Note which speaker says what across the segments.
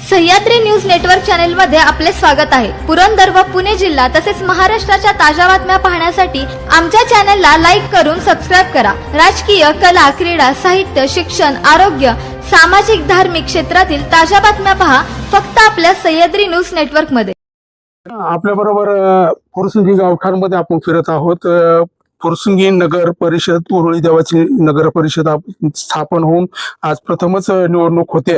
Speaker 1: Sahyadri news network channel मध्ये आपले स्वागत आहे। पुरंदर व पुणे जिल्हा तसेच महाराष्ट्राच्या ताज्या बातम्या पाहण्यासाठी आमच्या चॅनलला लाईक करून सबस्क्राइब करा। राजकीय, कला, क्रीडा, साहित्य, शिक्षण, आरोग्य, सामाजिक, धार्मिक क्षेत्रातील ताज्या बातम्या पहा फक्त आपल्या सह्याद्री न्यूज नेटवर्क मध्ये।
Speaker 2: आपल्या बरोबर फुरसुंगी गावठाणमध्ये आपण फिरत आहोत। फुरसुंगी नगर परिषद उरुळी देवाची नगर परिषद स्थापन होऊन आज प्रथमच निवडणूक होते।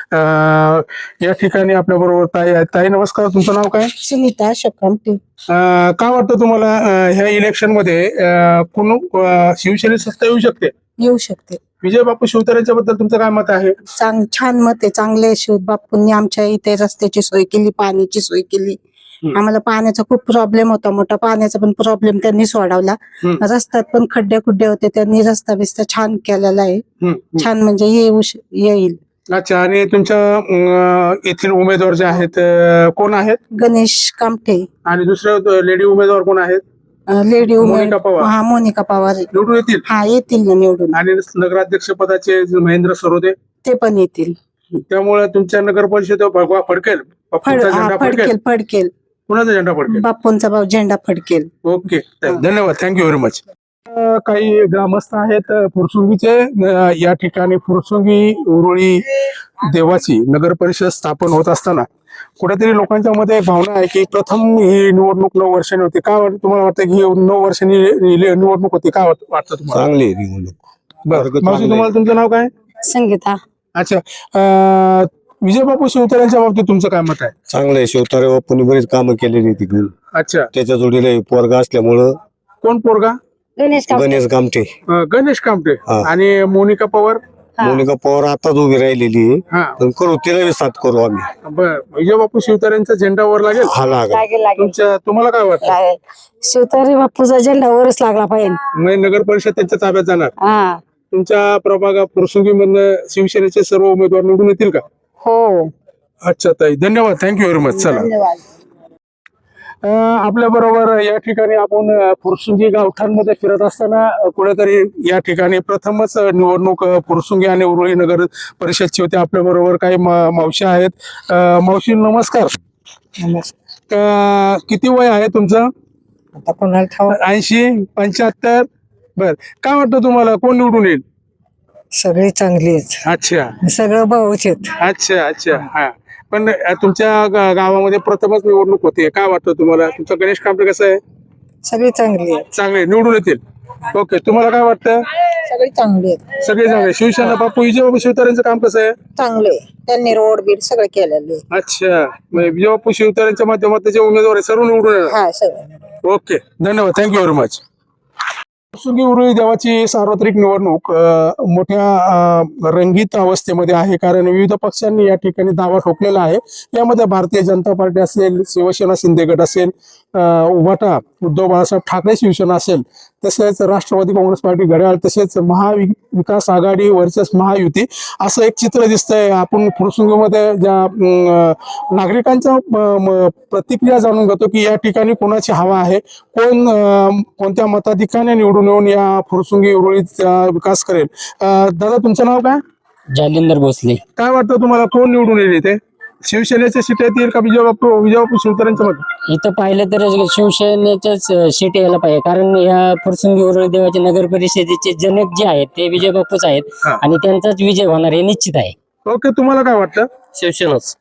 Speaker 2: या ठिकाणी आपल्या बरोबर ताई आहेत। ताई नमस्कार, तुमचं नाव काय?
Speaker 3: सुनीता शकमटी।
Speaker 2: काय वाटतं तुम्हाला ह्या इलेक्शन मध्ये कोण शिवसेनेत सत्ता येऊ शकते?
Speaker 3: येऊ शकते।
Speaker 2: विजय बापू शिवतारेंच्या बद्दल तुमचं काय मत आहे?
Speaker 3: छान मत आहे, चांगले शिव बापूंनी आमच्या इथे रस्त्याची सोय केली, पाण्याची सोय केली। आम्हाला पाण्याचा खूप प्रॉब्लेम होता, मोठा पाण्याचा पण प्रॉब्लेम त्यांनी सोडवला। रस्त्यात पण खड्डे खुड्डे होते, त्यांनी रस्ता बिस्ता छान केलेला आहे। छान म्हणजे येईल।
Speaker 2: अच्छा, आणि तुमच्या येथील उमेदवार जे आहेत कोण आहेत?
Speaker 3: गणेश कामठे।
Speaker 2: आणि दुसरे लेडी उमेदवार कोण आहेत?
Speaker 3: लेडी
Speaker 2: मोनिका पवार।
Speaker 3: हा, मोनिका पवार
Speaker 2: निवडून येतील?
Speaker 3: हा, येतील ना निवडून।
Speaker 2: आणि नगराध्यक्ष पदाचे महेंद्र सरोदे
Speaker 3: ते पण येतील।
Speaker 2: त्यामुळे तुमच्या नगर परिषदेवर भगवा फडकेल? बापूंचा झेंडा फडकेल?
Speaker 3: फडकेल।
Speaker 2: कुणाचा झेंडा फडकेल?
Speaker 3: बापूंचा झेंडा फडकेल।
Speaker 2: ओके, धन्यवाद, थँक्यू व्हेरी मच। काही ग्रामस्थ आहेत फुरसुंगीचे। या ठिकाणी फुरसुंगी उरुळी देवाची नगर परिषद स्थापन होत असताना कुठेतरी लोकांच्या मध्ये एक भावना आहे की प्रथम ही निवडणूक 9 वर्षांनी होती। काय वाटतं तुम्हाला? वाटतं की 9 वर्षांनी निवडणूक होती? काय वाटतं तुम्हाला?
Speaker 4: चांगली निवडणूक।
Speaker 2: बरं, मावशी तुम्हाला तुमचं नाव काय?
Speaker 3: संगीता।
Speaker 2: अच्छा, विजय बापू शिवतारेंच्या बाबतीत तुमचं काय मत आहे?
Speaker 4: चांगलंय, शिवतारे बापूंनी बरीच कामं केलेली तिकडून।
Speaker 2: अच्छा,
Speaker 4: त्याच्या जोडीला पोरगा असल्यामुळं
Speaker 2: कोण पोरगा?
Speaker 3: गणेश
Speaker 4: गणेश कामठे।
Speaker 2: गणेश कामटे।
Speaker 4: हा.
Speaker 2: आणि मोनिका पवार?
Speaker 4: मोनिका पवार आताच उभी राहिलेली आहे,
Speaker 2: हा,
Speaker 4: पण करू तिला साथ करू आम्ही।
Speaker 2: बर, विजय बापू शिवतारेंचा झेंडा वर लागेल?
Speaker 4: हा, लागेल।
Speaker 2: तुम्हाला काय वाटतं?
Speaker 3: शिवतारे बापूचा झेंडा वरच लागला पाहिजे।
Speaker 2: म्हणजे नगर परिषद त्यांच्या ताब्यात जाणार?
Speaker 3: हा,
Speaker 2: तुमच्या प्रभागात फुरसुंगी मधनं शिवसेनेचे सर्व उमेदवार निवडून येतील का?
Speaker 3: हो।
Speaker 2: अच्छा ताई, धन्यवाद, थँक्यू व्हेरी मच। चला,
Speaker 3: धन्यवाद।
Speaker 2: आपल्या बरोबर या ठिकाणी आपण फुरसुंगी गावठाणमध्ये फिरत असताना कुठेतरी या ठिकाणी प्रथमच निवडणूक फुरसुंगी आणि उरुळी नगर परिषदची होती। आपल्या बरोबर काही मावशी आहेत। मावशी नमस्कार। किती वय आहे तुमचं?
Speaker 3: आता कोणाला ठाव?
Speaker 2: 80, 75? बर, काय वाटतं तुम्हाला कोण निवडून येईल?
Speaker 3: सगळे चांगले आहेत,
Speaker 2: अच्छा
Speaker 3: सगळं भाऊच आहेत।
Speaker 2: अच्छा अच्छा, हा, पण तुमच्या गावामध्ये प्रथमच निवडणूक होते, काय वाटतं तुम्हाला? तुमचा गणेश कामटे कसं आहे?
Speaker 3: सगळे चांगले आहेत।
Speaker 2: चांगले निवडून येतील? ओके, तुम्हाला काय वाटतं?
Speaker 3: सगळे चांगले आहेत।
Speaker 2: सगळे चांगले। शिवसेना बापू विजय बापू शिवतारेंचं काम कसं आहे?
Speaker 3: चांगले, त्यांनी रोड बीड सगळं केलेले।
Speaker 2: अच्छा, म्हणजे विजय बापू शिवतारेंच्या माध्यमात जे उमेदवार आहे सर्व निवडून येणार?
Speaker 3: हा, सगळं।
Speaker 2: ओके, धन्यवाद, thank you very much. Fursungi Uruli Devachi सार्वत्रिक निवडणूक मोठ्या रंगीत अवस्थेमध्ये आहे, कारण विविध पक्षांनी या ठिकाणी दावा ठोकलेला आहे। यामध्ये भारतीय जनता पार्टी असेल, शिवसेना शिंदे गट असेल, उभाटा उद्धव बाळासाहेब ठाकरे शिवसेना असेल, तसेच राष्ट्रवादी काँग्रेस पार्टी घड्याळ, तसेच महाविकास आघाडी वर्सेस महायुती, असं एक चित्र दिसतंय। आपण फुरसुंगीमध्ये ज्या नागरिकांच्या प्रतिक्रिया जाणून घेतो की या ठिकाणी कोणाची हवा आहे, कोण कोणत्या मताधिकाने निवडून येऊन या फुरसुंगी उरुळीचा विकास करेल। दादा तुमचं नाव काय?
Speaker 5: जालिंदर भोसले।
Speaker 2: काय वाटतं तुम्हाला कोण निवडून येईल इथे? शिवसेनेचे सीट येतील का विजय बापू शिवतारेंच्या मध्ये?
Speaker 5: इथं पाहिलं तर शिवसेनेच्याच सीट यायला पाहिजे, कारण या फुरसुंगी उरुळी देवाच्या नगर परिषदेचे जनक जे आहेत ते विजय बापूच आहेत, आणि त्यांचाच विजय होणार हे निश्चित आहे।
Speaker 2: ओके, तुम्हाला काय वाटतं?
Speaker 5: शिवसेनाच,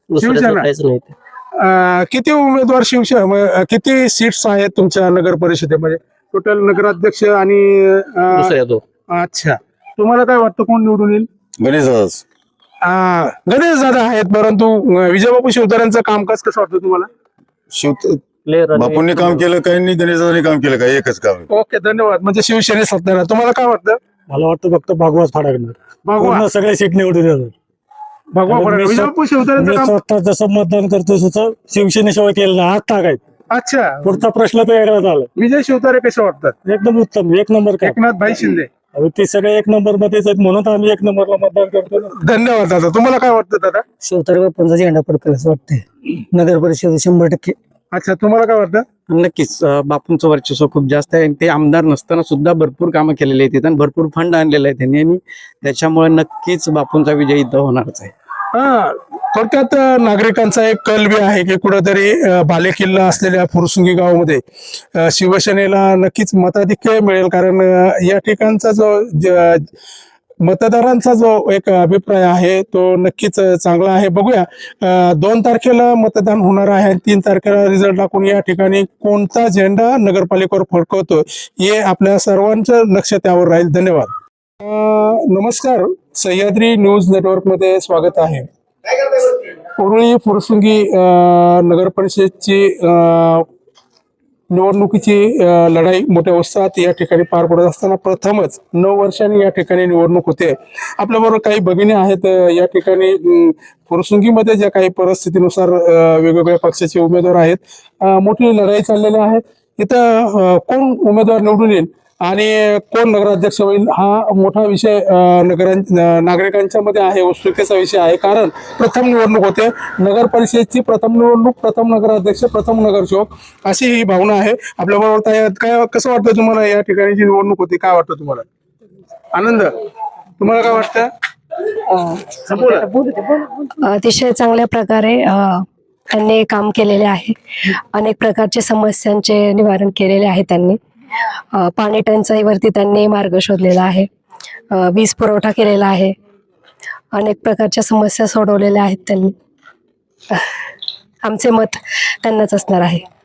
Speaker 2: शिवसेना। किती उमेदवार शिवसेना, किती सीट्स आहेत तुमच्या नगर परिषदेमध्ये टोटल? नगराध्यक्ष आणि अच्छा, तुम्हाला काय वाटतं कोण निवडून येईल?
Speaker 4: गणेश
Speaker 2: गणेश दादा आहेत, परंतु विजय बापू शिवतारेंचं कामकाज कसं वाटतं तुम्हाला?
Speaker 4: बापूंनी काम केलं काही नाही, गणेशांनी काम केलं काही, एकच काम।
Speaker 2: ओके, धन्यवाद। म्हणजे शिवसेने सत्ता, तुम्हाला काय वाटतं?
Speaker 6: मला वाटतं फक्त भागवाच फाडाकणार,
Speaker 2: भगवा
Speaker 6: सगळे सीट निवडून येणार।
Speaker 2: भगवा फडकेल। विजय बापू शिवतारेंचं काम?
Speaker 6: स्वतः जसं मतदान करतो तसं शिवसेनेशिवाय केलं ना, हात टाकायचं।
Speaker 2: अच्छा,
Speaker 6: पुढचा प्रश्न तर वेगळा झाला।
Speaker 2: विजय शिवतारे कसे वाटतात?
Speaker 6: एकदम उत्तम, एक नंबर काम।
Speaker 2: एकनाथ भाई शिंदे
Speaker 6: ते सगळे एक नंबर मध्येच आहेत, म्हणून आम्ही एक नंबरला मतदान करतो ना।
Speaker 2: धन्यवाद दादा। तुम्हाला काय वाटतं दादा?
Speaker 3: शिवतारे बापूंचा झेंडा फडकेल असं वाटतंय नगर परिषद 100%।
Speaker 2: अच्छा, तुम्हाला काय वाटतं?
Speaker 7: नक्कीच बापूंचं वर्चस्व खूप जास्त आहे। ते आमदार नसताना सुद्धा भरपूर कामं केलेली आहेत आणि भरपूर फंड आणलेले आहेत त्यांनी, आणि त्याच्यामुळे नक्कीच बापूंचा विजय इथं होणारच आहे।
Speaker 2: हा, थोडक्यात नागरिकांचा एक कल बी आहे की कुठंतरी बालेकिल्ला असलेल्या फुरसुंगी गावामध्ये शिवसेनेला नक्कीच मताधिक्य मिळेल, कारण या ठिकाणचा जो मतदारांचा जो एक अभिप्राय आहे तो नक्कीच चांगला आहे. बघूया 2 तारखेला मतदान होणार आहे आणि 3 तारखेला रिझल्ट लागून या ठिकाणी कोणता झेंडा नगरपालिकेवर फडकवतो हे आपल्या सर्वांचं लक्ष त्यावर राहील. धन्यवाद. नमस्कार, सह्याद्री न्यूज नेटवर्क मध्ये स्वागत आहे. उरुळी फुरसुंगी नगर परिषदची निवडणुकीची लढाई मोठ्या उत्साहात या ठिकाणी पार पडत असताना प्रथमच 9 वर्षांनी या ठिकाणी निवडणूक होते. आपल्याबरोबर काही भगिनी आहेत. या ठिकाणी फुरसुंगीमध्ये ज्या काही परिस्थितीनुसार वेगवेगळ्या पक्षाचे उमेदवार आहेत, मोठी लढाई चाललेली आहे. इथं कोण उमेदवार निवडून येईल आणि कोण नगराध्यक्ष होईल हा मोठा विषय नागरिकांच्या मध्ये आहे, उत्सुकतेचा विषय आहे. कारण प्रथम निवडणूक होते, नगर परिषदेची प्रथम निवडणूक, प्रथम नगराध्यक्ष, प्रथम नगरसेवक अशी ही भावना आहे. आपल्याबरोबर काय कसं वाटतं तुम्हाला? या ठिकाणी जी निवडणूक होती काय वाटतं तुम्हाला? आनंद, तुम्हाला काय वाटतं?
Speaker 8: अतिशय चांगल्या प्रकारे त्यांनी काम केलेले आहे. अनेक प्रकारच्या समस्यांचे निवारण केलेले आहे त्यांनी. पाणी टंचाईवरती त्यांनी मार्ग शोधलेला आहे. वीज पुरवठा केलेला आहे. अनेक प्रकारच्या समस्या सोडवलेल्या आहेत त्यांनी. आमचे मत त्यांनाच असणार आहे.